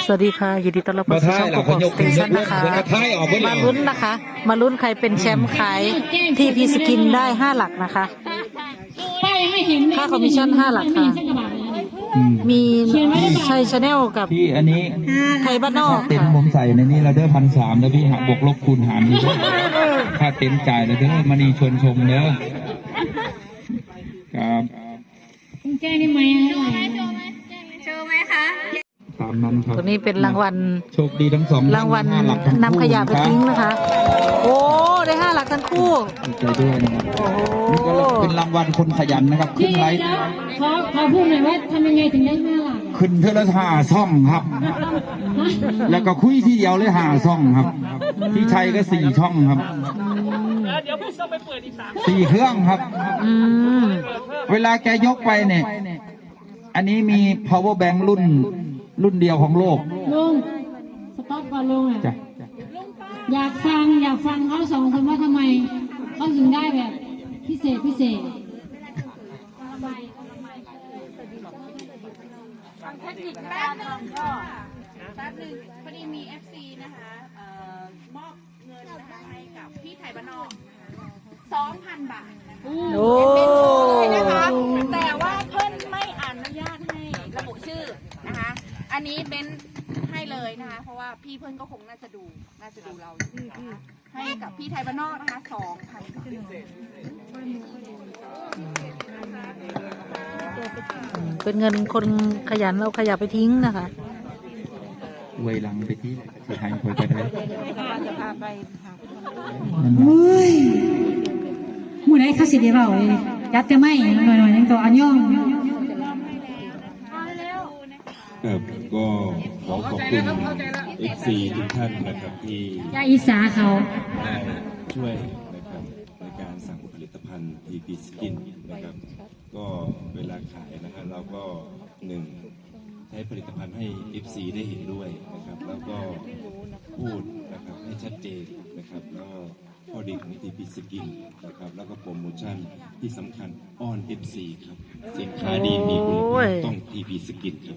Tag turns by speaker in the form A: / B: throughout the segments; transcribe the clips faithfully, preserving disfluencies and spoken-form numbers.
A: สวัสดีค่ะยินดีต้อนรับเข้าสู่ช่องกบกสเตชันนะคะมาลุ้นนะคะ มาลุ้นใครเป็นแชมป์ขายที่พีสกินได้ห้าหลักนะคะค่าคอมมิชชั่นห้าหลักค่ะมีชัยชาแนลกับ
B: พี่อันนี้
A: ไทยบ้านนอก
B: เต็นผมใส่ในนี้เราเด้อพันสามแล้วพี่หักบวกลบคูณหารอยู่ค่าเต็นจ่ายเลยเด้อมานีชวนชมเด้อครับ
C: แก้ได้ไหมโชว์ไหมโชว์ไหมโชว์ไหมคะ
B: ตามนั้นครับ
A: ตัวนี้เป็นรางวัล
B: โชคดีทั้งสอง
A: รางวัลนำขยะไปทิ้งนะคะโอ้ได้ห้าหลักทั้งคู่
B: ดีใจด้วยนะครับนี่ก็เป็นรางวัลคนขยันนะครับขึ้นไลฟ์
C: ขอขอพูดหน่อยว่าทำยังไงถึงได้ห้าหลัก
B: ขึ้นเทเลทาซ่องครับแล้วก็คุยที่เดียวเลยหาซ่องครับพี่ชัยก็สี่ช่องครับ
D: เดี๋ยวพี่ต้องไปเปิดอีกสาม
B: สี่เครื่องครับเวลาแกยกไปเนี่ยอันนี้มี power bank รุ่นรุ่นเดียวของโลก
C: ลุงสต็อปก่อนลุงอ่ะอยากฟังอยากฟังเขาสองคนว่าทำไมเขาถึงได้แบบพิเศษพิเศษ
E: ฟังเทคนิคแป๊บนึงก็แป๊บนึงพอดีมี เอฟ ซี นะคะเอ่อมอบเงินนะคะให้กับพี่ไทยบ้านนอกสองพันบาทนะคะเป็นโชว์เลยนะคะแต่ว่าเพิ่นไม่อนุญาตให้ระบุชื่อนะคะอันนี้เป็นให้เลยนะคะเพราะว่าพี่เพิ่นก็คงน่าจะดูน่าจะดูเรานะคะให้กับพี่ไทยบ้านนอกนะคะสองพันบาท
A: เป็นเงินคนขยันเอาขยะไปทิ้งนะคะ
B: เวลังไปที่สุดท้ายคุยกันเลย
C: จะพาไปเฮ้ยหมู่ไหนเขาสิเดียวเลยยัดจะไม่หน่อยๆนั่นก็อันย่อง
F: ครับก็ขอขอบคุณ เอฟ ซี ทุกท่านนะครับที่
C: ยาอีสาเขา
F: ได้ช่วยนะครับในการสั่งผลิตภัณฑ์ ที พี Skin นะครับก็เวลาขายนะครับเราก็หนึ่งใช้ผลิตภัณฑ์ให้ เอฟ ซี ได้เห็นด้วยนะครับแล้วก็พูดนะครับให้ชัดเจนนะครับแล้วก็ข้อดีของ ที พี Skin นะครับแล้วก็โปรโมชั่นที่สำคัญอ้อน เอฟ ซี ครับสินค้าดีมีคุณภาพต้อง ที พี Skin ครับ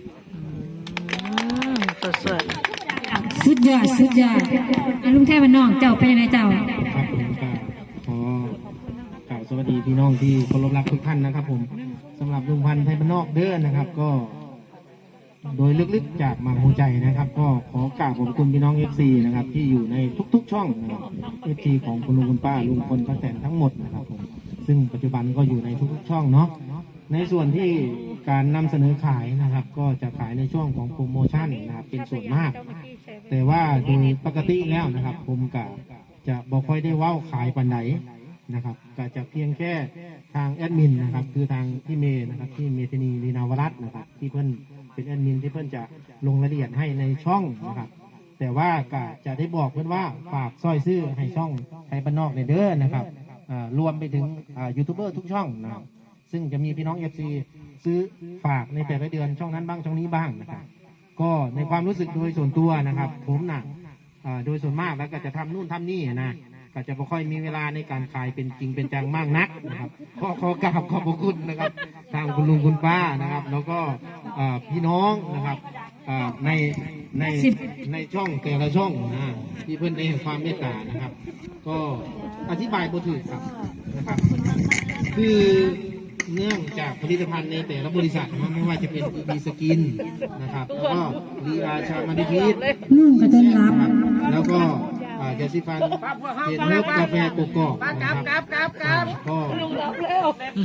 A: สวย
C: สุดยอดสุดยอดลุงแท้บ้านนอกเจ้าเป็นยังไงเจ้า
G: ครับผมก็ขอกล่าวสวัสดีพี่น้องที่เคารพรักทุกท่านนะครับผมสำหรับลุงพันธ์ไทยบ้านนอกเด้อนะครับก็โดยลึกๆจากมาหัวใจนะครับก็ขอกราบขอบคุณพี่น้อง เอฟ ซี นะครับที่อยู่ในทุกๆช่องนะครับ เอฟ ซี ของคุณลุงคุณป้าลุงพลป้าแตนทั้งหมดนะครับผมซึ่งปัจจุบันก็อยู่ในทุกๆช่องเนาะในส่วนที่การนำเสนอขายนะครับก็จะขายในช่วงของโปรโมชั่นนะครับเป็นส่วนมากแต่ว่าโดยปกติแล้วนะครับผมก็จะบอกค่อยได้ว่าขายปันไหนนะครับก็จะเพียงแค่ทางแอดมินนะครับคือทางที่เมย์นะครับที่เมธนีลีนาวรัตน์นะครับที่เพื่อนเป็นแอดมินที่เพื่อนจะลงรายละเอียดให้ในช่องนะครับแต่ว่าก็จะได้บอกเพื่อนว่าฝากซอยซื้อให้ช่องไทยบ้านนอกในเด้อนะครับรวมไปถึงยูทูบเบอร์ทุกช่องนะครับซึ่งจะมีพี่น้อง เอฟ ซี ซื้อฝากในแต่ละเดือนช่องนั้นบ้างช่องนี้บ้างนะครับก็ในความรู้สึกโดยส่วนตัวนะครับผมนะโดยส่วนมากแล้วก็จะทำนู่นทำนี่นะก็จะไม่ค่อยมีเวลาในการขายเป็นจริงเป็นจังมากนักนะครับขอขอกราบขอบพระคุณนะครับทางคุณลุงคุณป้านะครับแล้วก็พี่น้องนะครับในในในช่องแต่ละช่องนะที่เพื่อนได้ให้ความเมตตานะครับก็อธิบายบ่ถูกครับนะครับคือเนื่องจากผลิตภัณฑ์ในแต่ละบริษัทนะไม่ว่าจะเป็น ที พี Skin นะครับแล้วก็ลีอาชามาดิพีท
C: นุ่งกระต้นรับ
G: แล้วก็ยาสีฟันเห็ดเนื้อกาแฟโกโก้นะครับก็ลุงรับแล้ว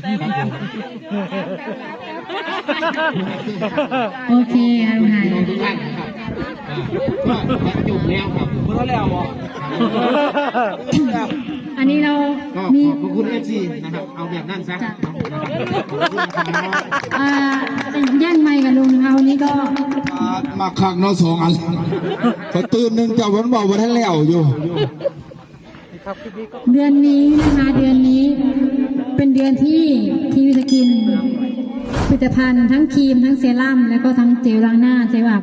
C: โอเคครับลุงหาย
G: ทุกท่านนะครับก็จบแล้วครับ
D: เมื่อแล้วบอก
C: อันนี้เรา
G: มีขอบคุณ เอฟ ซี นะครับเอาแบบนั้นซะ
C: ย่างไม่กับลุงเอานี้ก็
B: มาคักเนาะสองอันพอตื่นหนึ่งเจ้าวันบอกวันท่านแล้วอยู่
C: เดือนนี้นะคะเดือนนี้เป็นเดือนที่ทีวีสกินผลิตภัณฑ์ทั้งครีมทั้งเซรั่มแล้วก็ทั้งเจลล้างหน้าเจลอาบ